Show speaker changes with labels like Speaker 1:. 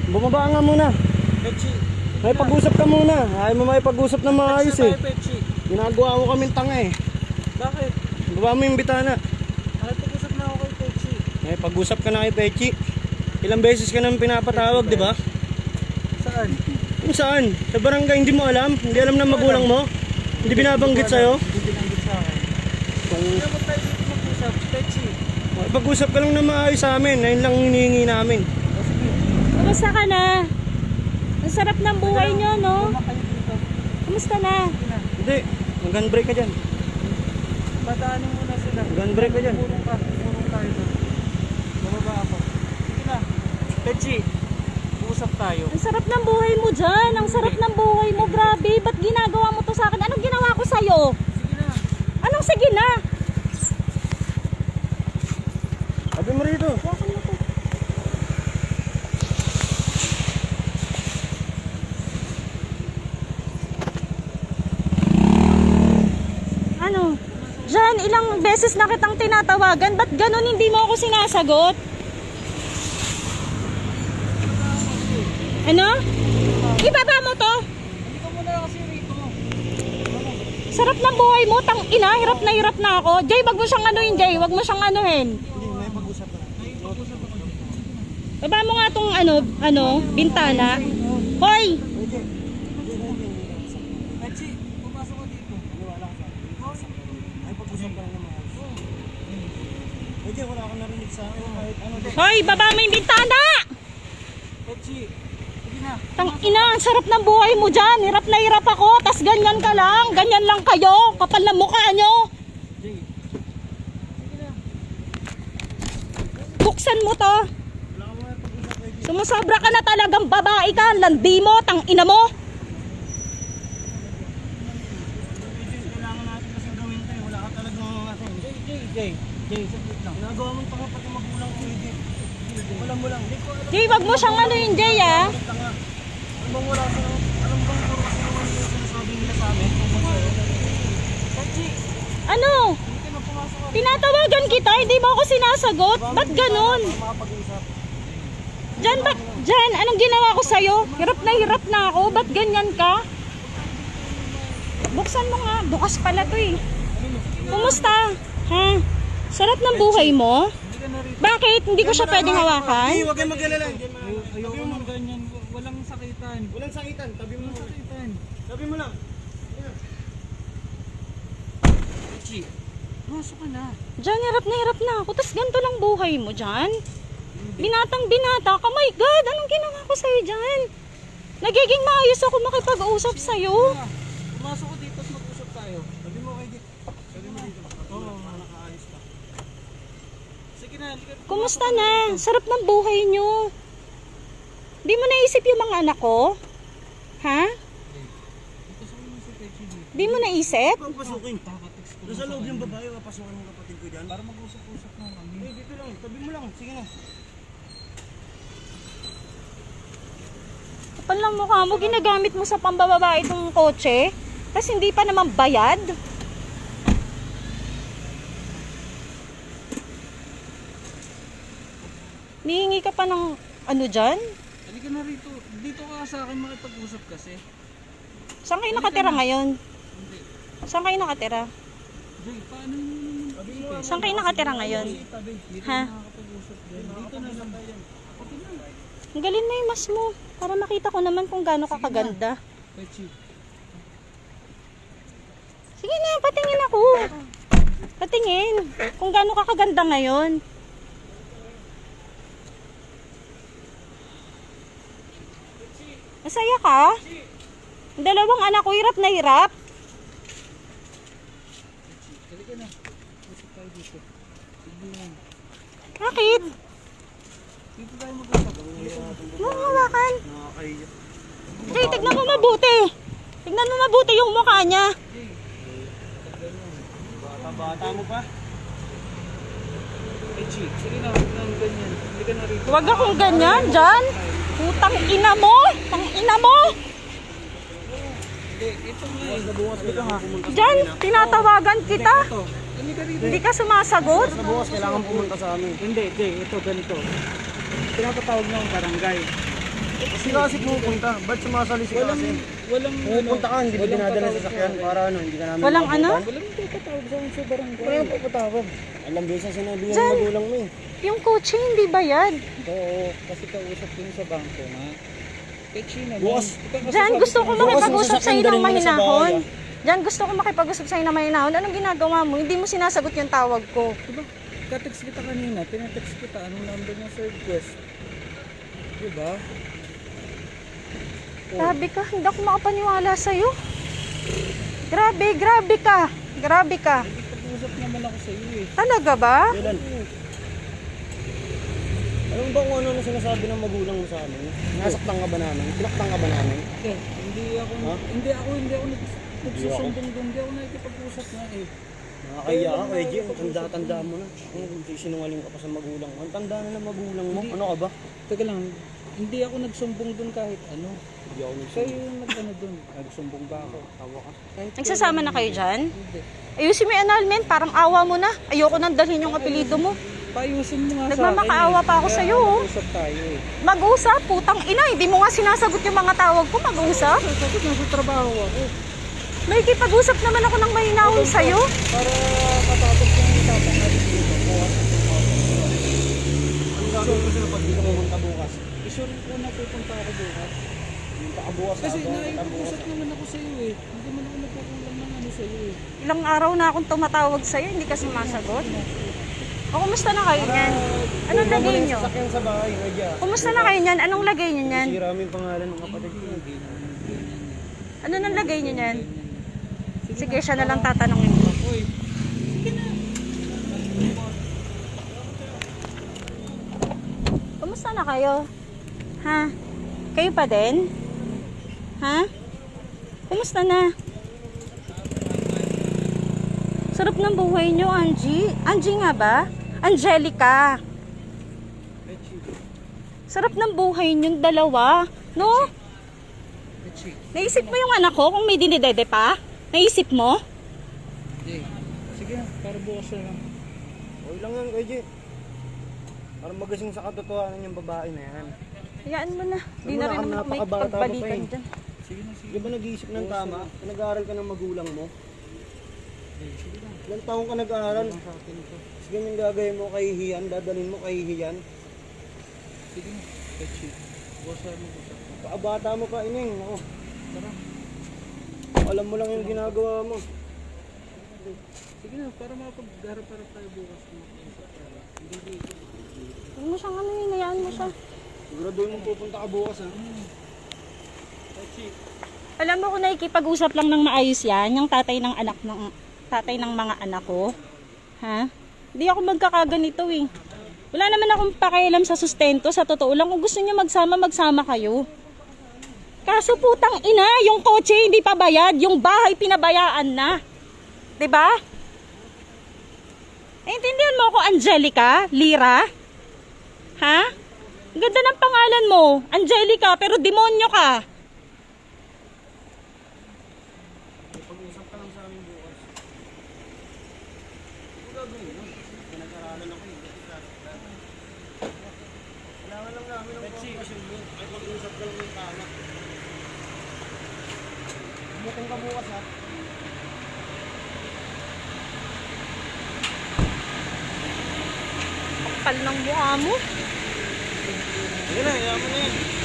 Speaker 1: Bumaba nga muna.
Speaker 2: Pechi.
Speaker 1: May pag-usap ka muna. Ayaw mo may pag-usap na maayos eh.
Speaker 2: Pechi.
Speaker 1: Ginagawa mo kaming tanga eh.
Speaker 2: Bakit?
Speaker 1: Baba mo yung bitana.
Speaker 2: Nakipag-usap na ako kay Pechi.
Speaker 1: May pag-usap ka na kay Pechi. Ilang beses ka nang pinapatawag, di ba?
Speaker 2: Saan?
Speaker 1: Kung saan? Sa barangay, hindi mo alam? Hindi alam ng magulang mo? Hindi binabanggit sa'yo?
Speaker 2: Hindi binanggit sa akin. Hindi naman tayo dito mag-usap. Pechi.
Speaker 1: Pag-usap ka lang na maayos sa amin. Ayun lang hinihingi namin.
Speaker 2: O sige.
Speaker 3: Kumusta ka na? Ang sarap ng buhay nyo, no?
Speaker 2: Kumakayo dito.
Speaker 3: Kumusta na?
Speaker 2: Sige na.
Speaker 1: Hindi. Mag-handbrake ka dyan.
Speaker 2: Padaanin muna sila.
Speaker 1: Mag-handbrake ka dyan.
Speaker 2: Purong tayo doon. Bababa ako. Sige na. Pechi. Usap tayo.
Speaker 3: Ang sarap ng buhay mo dyan. Ang sarap ng buhay mo. Grabe. Ba't ginagawa mo to sa akin? Anong ginawa ko sa'yo?
Speaker 2: Sige na.
Speaker 3: Anong sige na?
Speaker 1: Sabi mo rito.
Speaker 3: Bakit mo to? Ano? Diyan, ilang beses na kitang tinatawagan. Ba't ganun hindi mo ako sinasagot? Ano? Ibaba mo to?
Speaker 2: Hindi ka muna kasi rito.
Speaker 3: Sarap ng buhay mo, tang ina, hirap na ako. Jay, wag mo siyang anuhin, Jay. Wag mo siyang anuhin.
Speaker 1: Hindi, may pag-usap ka na.
Speaker 3: Baba mo nga tong bintana. Hoy!
Speaker 2: Pechi, pumasok ka dito.
Speaker 1: Ay, pag-usap ka lang na maayos. Pwede, wala akong narinig sa akin. Kahit ano.
Speaker 3: Hoy, baba mo yung bintana!
Speaker 2: Pechi. Sige na.
Speaker 3: Tang ina, ang sarap ng buhay mo dyan. Hirap na hirap ako, tas ganyan ka lang. Ganyan lang kayo. Kapal na mukha nyo.
Speaker 2: Jay. Sige na.
Speaker 3: Buksan mo to.
Speaker 1: Wala akong may pag-usap kayo.
Speaker 3: Sumusobra ka na talagang babae ka. Landi mo, tang ina mo.
Speaker 1: Kailangan natin kasi gawin tayo. Wala ka talagang atin.
Speaker 2: Jay, saglit lang.
Speaker 1: Ginagawa mo tanga pati magulang ko hindi. Wala mo lang. Hindi ko alam.
Speaker 3: Jay, wag mo siyang anuhin, Jay, ah.
Speaker 1: Tanga. Ano bang wala sa alam bang puro kasi naman yung sinasabi nila sa amin?
Speaker 2: Pechi,
Speaker 3: Ano?
Speaker 2: hindi ka na pumasok ka.
Speaker 3: Tinatawagan kita, hindi mo ako sinasagot. Ba't ganun?
Speaker 1: Makapag-usap.
Speaker 3: Diyan, anong ginawa ko sa'yo? Hirap na ako. Ba't ganyan ka? Buksan mo nga. Bukas pala to eh. Kumusta? Ha? Sarap ng buhay mo?
Speaker 2: Hindi ka na rito.
Speaker 3: Bakit? Hindi ko siya pwedeng hawakan?
Speaker 1: Hindi, huwag kayong mag-alala.
Speaker 2: Ayoko nang ganyan. Walang sakitan.
Speaker 1: Walang sakitan. Tabi mo
Speaker 2: Walang sakitan.
Speaker 1: Tabi mo lang.
Speaker 2: Pechi, pumasok ka na.
Speaker 3: Diyan, hirap na ako. Tapos ganito lang buhay mo dyan? Binatang binata ka. My God, anong ginawa ko sa'yo dyan? Nagiging maayos ako makipag-usap sa'yo.
Speaker 2: Pumasok ka dito at mag-usap tayo.
Speaker 1: Tabi mo kay Dick. Tabi mo dito. Oo, nakaalis ka.
Speaker 2: Sige na, halika.
Speaker 3: Kumusta na? Sarap ng buhay nyo. Di mo naisip yung mga anak ko? Ha?
Speaker 2: Pasukin mo si Pechi dito.
Speaker 3: Di mo naisip?
Speaker 1: Huwag pasukin. Nasa loob yung babae, papasukin mo kapatid ko dyan.
Speaker 2: Para mag-usap-usap na kami.
Speaker 1: Eh, dito lang. Tabi mo lang. Sige na.
Speaker 3: Kapal lang mukha mo, ginagamit mo sa pambababa itong kotse. Tapos hindi pa naman bayad. Nihingi ka pa ng ano dyan?
Speaker 2: Halika na rito. Dito ka sa akin makipag-usap kasi.
Speaker 3: Saan kayo nakatira ngayon?
Speaker 2: Hindi.
Speaker 3: Saan kayo nakatira?
Speaker 2: Jay, paano yun naman?
Speaker 3: Saan kayo nakatira ngayon?
Speaker 2: Tabi. Dito
Speaker 3: Ha?
Speaker 2: na nakakapag-usap dyan. Dito na lang. Okay na.
Speaker 3: Ang galing na yung mas mo. Para makita ko naman kung gaano ka kaganda.
Speaker 2: Pechi.
Speaker 3: Sige na, patingin ako. Patingin. Kung gaano ka kaganda ngayon. Masaya ka? Ang dalawang anak ko hirap na hirap.
Speaker 2: Halika na. Usap tayo dito. Sige na.
Speaker 3: Bakit?
Speaker 2: Dito tayo mag-usap.
Speaker 3: Mo hawakan.
Speaker 1: Nakakahiya.
Speaker 3: Jay, tignan mo mabuti. Tignan mo mabuti yung mukha niya.
Speaker 2: Jay.
Speaker 1: Bata-bata mo pa.
Speaker 2: Pechi. Sige na. Huwag nang ganyan. Halika na rito.
Speaker 3: Huwag akong ganyan, Jan. Putang ina mo. Tang ina mo.
Speaker 2: Hindi. Ito nga eh.
Speaker 1: Bukas ka ha.
Speaker 3: Jan, tinatawagan kita.
Speaker 2: Ito. Halika rito.
Speaker 3: Hindi ka sumasagot.
Speaker 1: Sa bukas kailangan pumunta sa amin.
Speaker 2: Hindi, Jay. Ito ganito. Pinapatawag na ang barangay.
Speaker 1: Kasi kasi pupunta. Ba't sumasali si kasi?
Speaker 2: Walang
Speaker 1: Pupunta ka, hindi ba dinadala sa sasakyan para ano, hindi ka namin
Speaker 3: Walang ano?
Speaker 1: maabutan?
Speaker 2: Walang papatawag sa akin sa barangay.
Speaker 1: Wala yung papatawag. Alam ba yung sinabi yung
Speaker 3: Jan!
Speaker 1: magulang mo eh.
Speaker 3: Yung kotse hindi bayad.
Speaker 2: Oo, kasi kausap ko yun sa bangko na. Pechi naman.
Speaker 1: Bukas.
Speaker 3: Diyan, gusto ko
Speaker 1: Bukas
Speaker 3: makipag-usap
Speaker 1: yung
Speaker 3: sa'yo
Speaker 1: sasakyan,
Speaker 3: ng
Speaker 1: dalhin mo na sa
Speaker 3: mahinahon.
Speaker 1: bahay,
Speaker 3: Diyan, gusto ko makipag-usap sa'yo ng mahinahon. Anong ginagawa mo? Hindi mo sinasagot yung tawag ko.
Speaker 2: Diba? Katext kita kanina, tinatext kita. Anong number niya sa request? Diba?
Speaker 3: Grabe ka, hindi ako makapaniwala sa'yo. Grabe, grabe ka. Grabe ka.
Speaker 2: Pag-usap naman ako sa iyo eh.
Speaker 3: Talaga ba?
Speaker 1: Kailan? Alam mo ba kung ano na sinasabi ng magulang mo sa amin? Nasaktan ka ba namin? Pinaktan ka ba namin?
Speaker 2: Hindi ako,
Speaker 1: Ha?
Speaker 2: hindi ako nagsusumbong doon. Hindi ako nakikipag-usap nga eh.
Speaker 1: Nakakaya ka, Kuya Jim. Tanda-tanda mo na. Sinungaling ka pa sa magulang mo. Ang tanda na ng magulang mo. Ano ka ba?
Speaker 2: Teka lang, hindi ako nagsumbong doon kahit ano.
Speaker 1: Hindi ako
Speaker 2: Kayo yung nag-ano doon. Nagsumbong ba ako? Tawa ka.
Speaker 3: Nagsasama na kayo dyan?
Speaker 2: Hindi.
Speaker 3: Ayusin mo yung annulment, parang awa mo na. Ayoko nang dalhin yung apelido mo.
Speaker 2: Payusin mo nga sa akin.
Speaker 3: Nagmamakaawa pa ako
Speaker 2: Kaya
Speaker 3: sa'yo, oh.
Speaker 2: mag-usap tayo eh.
Speaker 3: Mag-usap, putang ina. Hindi mo nga sinasagot yung mga tawag ko. Mag-usap.
Speaker 2: Sagot nasa trabaho ako.
Speaker 3: May kipag-usap naman ako ng mahinahon sa'yo.
Speaker 2: Para matapos yung usapan natin dito.
Speaker 1: Ang gagawin ko sila pag dito pumunta bukas?
Speaker 2: Isure ko na pupunta ako bukas.
Speaker 1: Pumunta ka bukas.
Speaker 2: Kasi
Speaker 1: bukas.
Speaker 2: nakikipag-usap naman ako sa iyo eh. Hindi mo naman nagkukulang ng ano sa iyo eh.
Speaker 3: Ilang araw na akong tumatawag sa'yo, hindi ka sumasagot. O, kumusta na kayo niyan? Anong lagay nyo?
Speaker 1: Sasakyan sa bahay, Kuya.
Speaker 3: Kumusta na kayo niyan? Anong lagay nyo niyan?
Speaker 1: Sira mo yung pangalan ng kapatid ko.
Speaker 3: Ano nang lagay nyo niyan? Sige, siya na lang tatanungin ko.
Speaker 2: Uy,
Speaker 3: Kumusta na kayo? Ha? Kayo pa din? Ha? Kumusta na? Sarap ng buhay nyo, Angie. Angie nga ba? Angelica. Sarap ng buhay nyo, dalawa. No?
Speaker 2: Pechi.
Speaker 3: Naisip mo yung anak ko kung may dinidede pa? Naisip mo?
Speaker 2: Hindi. Sige, para bukas na lang.
Speaker 1: Okay lang yan, Kuya Jim. Para magasing sa katotohanan yung babae na yan.
Speaker 3: Hayaan mo na. Hindi na
Speaker 1: Wala
Speaker 3: rin
Speaker 1: kang
Speaker 3: naman ako may
Speaker 1: napakabata mo pa
Speaker 3: pagbalikan
Speaker 1: eh.
Speaker 3: dyan.
Speaker 2: Sige na, sige.
Speaker 1: Di ba nag-iisip ng tama? Nag-aaral ka ng magulang mo? Ilang taong ka nag-aaral?
Speaker 2: Sa akin ito.
Speaker 1: Sige yung gagawin mo kay Hiyan, dadalhin mo kay Hiyan.
Speaker 2: Sige na, Pechi. Bukas na mag-usap.
Speaker 1: Pakabata mo pa, Ining. Ako.
Speaker 2: Tara.
Speaker 1: Alam mo lang yung ginagawa mo.
Speaker 2: Sige na, para makapag-harap-harap tayo bukas. Mag-usap tayo. Hindi dito.
Speaker 3: Huwag mo siyang ano yun, hayaan mo siya.
Speaker 1: Siguraduhin mo pupunta ka bukas ha.
Speaker 2: Pechi.
Speaker 3: Alam mo kung nakikipag-usap lang ng maayos yan, yung tatay ng mga anak ko. Ha? Hindi ako magkakaganito eh. Wala naman akong pakialam sa sustento, sa totoo lang. Kung gusto niyo magsama, magsama kayo. Kaso putang ina, yung kotse hindi pa bayad, yung bahay pinabayaan na. 'Di ba? Naintindihan mo ako, Angelica, Lira? Ha? Ang ganda ng pangalan mo, Angelica, pero demonyo ka.
Speaker 1: Pag-usap ka lang sa amin bukas. Ano gagawin mo? Pinag-aralan ako eh. Kailangan lang namin ng kompasyon mo. Ay pag-usap ka lang yung tama. Bumukin ka bukas ha.
Speaker 3: Kapal ng mukha mo.
Speaker 1: Sige na, yaman na yan.